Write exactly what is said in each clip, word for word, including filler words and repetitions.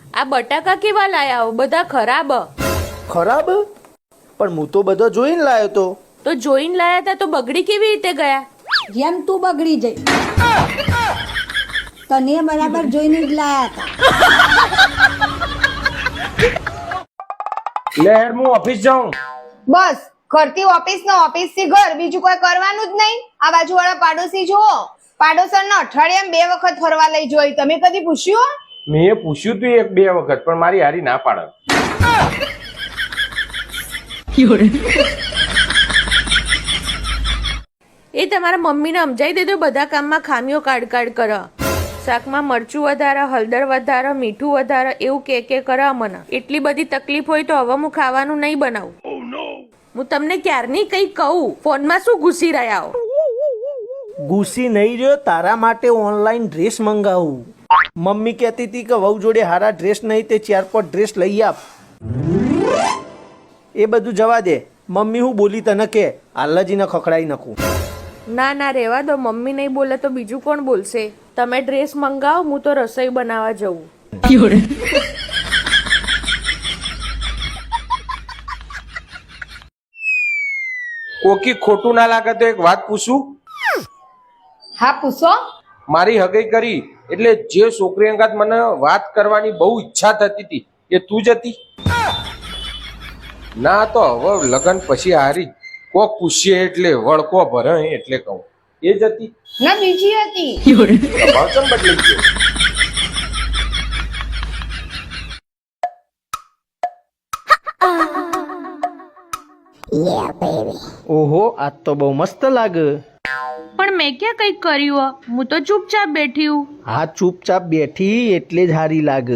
આ બટાકા કેવા લાયા હો? બધા ખરાબ. ખરાબ? પણ હું તો બધો જોઈને લાયો તો. તો જોઈને લાયા હતા તો બગડી કેવી રીતે ગયા? જેમ તું બગડી જઈ, તને બરાબર જોઈને જ લાયા હતા. લે હેડ હું ઓફિસ જાઉં. બસ ઘરથી ઓફિસ ને ઓફિસ થી ઘર, બીજું કોઈ કરવાનું જ નહીં. આ બાજુ વાળા પાડોશી જુઓ, પાડોશર ને અઠવાડિયામાં બે વખત ફરવા લઈ જોઈ. તમે કદી પૂછ્યું? મેં પૂછ્યું તું એક બે વખત, પણ મારી હારી ના પાડે. એ તમારા મમ્મીને સમજાઈ દેજો, બધા કામમાં ખામીઓ કાઢ કાઢ કરે. શાકમાં મરચું વધારે, હળદર વધારે, મીઠું વધારે, એવું કે કે કરે મને. એટલી બધી તકલીફ હોય તો હવે હું ખાવાનું નહીં બનાવું. હું તમને ક્યારની કઈ કહું, ફોનમાં શું ઘૂસી રહ્યા હો? ગુસ્સી નહીં રહ્યો, તારા માટે ઓનલાઈન ડ્રેસ મંગાવું. મમ્મી કહેતી હતી કે વહુ જોડે હારા ડ્રેસ નહીં તે ચાર પાંચ ડ્રેસ લઈ આપ. એ બધું જવા દે. મમ્મી હું બોલી તને કે આલ્લાજીને ખખડાઈ નાખું. ના ના રહેવા દો, મમ્મી નહીં બોલે તો બીજું કોણ બોલશે? તમે ડ્રેસ મંગાવો, હું તો રસોઈ બનાવવા જવું. કોકી ખોટું ના લાગે તો એક વાત પૂછું? હા પૂછો. મારી હગઈ કરી એટલે જે છોકરી અંગાત મને વાત કરવાની બહુ ઈચ્છા થતી હતી એ તું જ હતી? ના તો હવે લગન પછી હારી કોક પૂછીએ એટલે વળકો ભરે એટલે કહું એ જ હતી ના બીજી હતી. ભાવચમ બદલી Yeah, ઓહો, આજ તો બહુ મસ્ત લાગે. પણ મેં ક્યાં કંઈક કર્યું? હું તો ચૂપચાપ બેઠી હું. હા, ચૂપચાપ બેઠી એટલે જ હારી લાગે.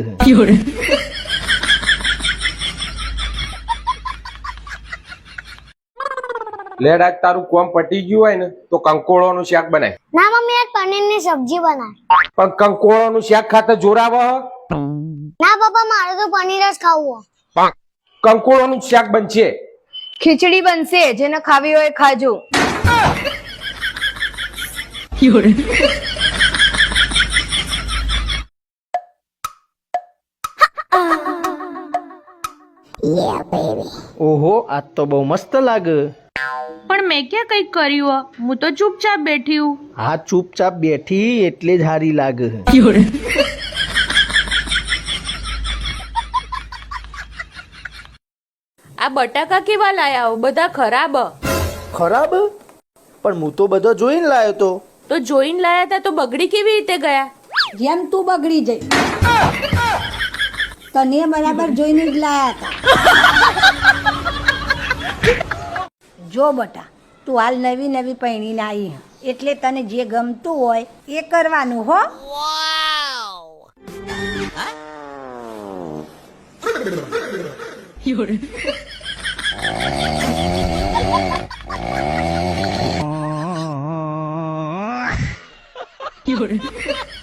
લેડ આજ તારું કોમ પટી ગયું હોય ને તો કંકોળોનું શાક બનાય. ના મમ્મી આજ પનીરની સબ્જી બનાય. પણ કંકોળોનું શાક ખાતા જોરાવ. ના પપ્પા મારે તો પનીર જ ખાવું. કંકોળોનું શાક બનશે. ખીચડી બનશે, જેને ખાવી હોય ખાજો. ઓહો, આજ તો બહુ મસ્ત લાગે. પણ મેં ક્યાં કંઈક કર્યું? હું તો ચૂપચાપ બેઠી હું. હા, ચૂપચાપ બેઠી એટલે જ હારી લાગે. આ બટાકા કેવા લાયા હો? બધા ખરાબ. ખરાબ? પણ હું તો બધો જોઈને લાયો તો. તો જોઈને લાયા હતા તો બગડી કેવી રીતે ગયા? જેમ તું બગડી જઈ, તને બરાબર જોઈને જ લાયા હતા. જો બટા, તું હાલ નવી નવી પહેરીને આવી, એટલે તને જે ગમતું હોય એ કરવાનું હો. You're